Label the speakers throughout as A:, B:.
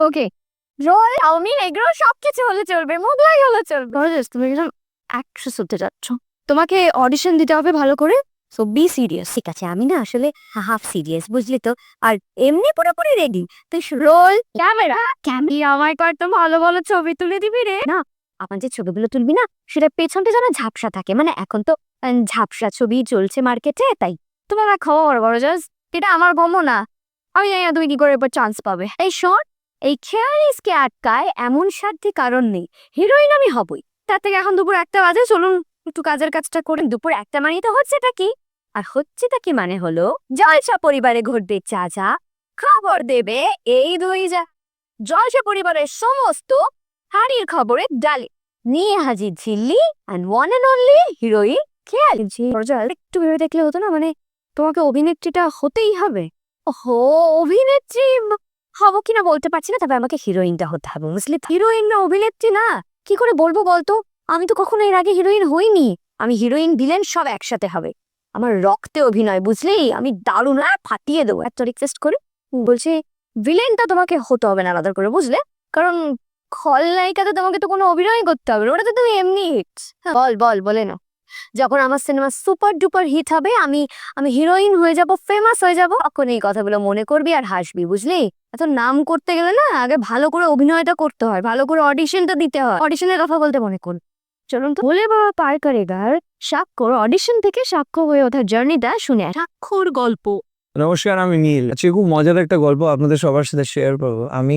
A: ওকে, role chowmein এগুলো সবকিছু হলে চলবে, মোগলাই হলে চলবে। গর্জিয়াস, তুমি একজন অ্যাক্ট্রেস হতে যাচ্ছ, তোমাকে অডিশন দিতে হবে ভালো করে, সো বি সিরিয়াস।
B: ঠিক আছে, আমি না আসলে হাফ সিরিয়াস, বুঝলি তো। আর এমনি পুরোপুরি রেডি। তুই
A: রোল ক্যামেরা ক্যামেরা আমায় কর, তো ভালো ভালো ছবি তুলে দিবি রে।
B: না, আমার যে ছবিগুলো তুলবি না, সেটা পেছনটা যেন ঝাপসা থাকে, মানে এখন তো ঝাপসা ছবি চলছে মার্কেটে, তাই।
A: তোমার আর খবর গরজাস, এটা আমার গম না, আমি জানি না তুমি কি করে এবার চান্স পাবে। এই শোন, এই খেয়ালিসকে আটকায় এমন সাধ্যে কারণ নেই, হিরোইন আমি হবই। তার থেকে এখন দুপুর 1টা বাজে, চলুন একটু কাজের কাজটা করে।
B: দুপুর 1টা মানে তো হচ্ছেটা কি? আর হচ্ছেটা কি মানে হলো, জলসা পরিবারে ঘটবে চা চা, খবর দেবে এই দুই যা। জলসা পরিবারের সমস্ত হাড়ির খবরে ডালে নিয়ে হাজির Jhilli and one and only heroine খেয়ালি।
A: গরজাস, একটু ভেবে দেখলে হতো না, মানে তোমাকে অভিনেত্রীটা হতেই হবে।
B: ওহো, অভিনেত্রী হব কিনা বলতে পারছি না, তবে আমাকে হিরোইনটা হতে হবে, বুঝলি।
A: হিরোইন না অভিনেত্রী না?
B: কি করে বলবো বলতো, আমি তো কখনো এর আগে হিরোইন হইনি। আমি হিরোইন ভিলেন সব একসাথে হবে, আমার রক্তে অভিনয়, বুঝলি। আমি দারুণ ফাটিয়ে দেবো।
A: এত রিকোয়েস্ট করে বলছে, ভিলেনটা তোমাকে হতে হবে না আলাদা করে, বুঝলে? কারণ খলনায়িকাতে তোমাকে তো কোনো অভিনয় করতে হবে না, ওটা তো তুমি এমনি হিটস।
B: বল বল, বলে না। যখন আমার সিনেমা সুপার ডুপার হিট হবে, আমি আমি হিরোইন হয়ে যাব, ফেমাস হয়ে যাব, তখন এই কথাগুলো মনে করবি আর হাসবি, বুঝলি।
A: এত নাম করতে গেলে না, আগে ভালো করে অভিনয়টা করতে হয়, ভালো করে অডিশনটা দিতে হয়। অডিশনের কথা বলতে মনে করুন, চলুন তো। ভোলে বাবা পার করেগার স্বাক্ষর অডিশন থেকে সাক্ষ্য হয়ে ওঠার জার্নিটা শুনে স্বাক্ষর গল্প।
C: নমস্কার, আমি নীল। আজকে খুব মজার একটা গল্প আপনাদের সবার সাথে শেয়ার করবো। আমি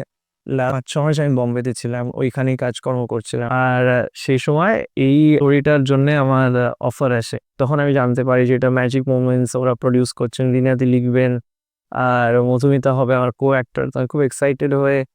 C: 5-6 মাস আমি বোম্বেতে ছিলাম, ওইখানেই কাজকর্ম করছিলাম। আর সেই সময় এই স্টোরিটার জন্য আমার অফার আসে। তখন আমি জানতে পারি যে এটা ম্যাজিক মোমেন্টস ওরা প্রডিউস করছেন, রিনাদি লিখবেন আর মধুমিতা হবে আমার কো অ্যাক্টর। তো আমি খুব এক্সাইটেড হয়ে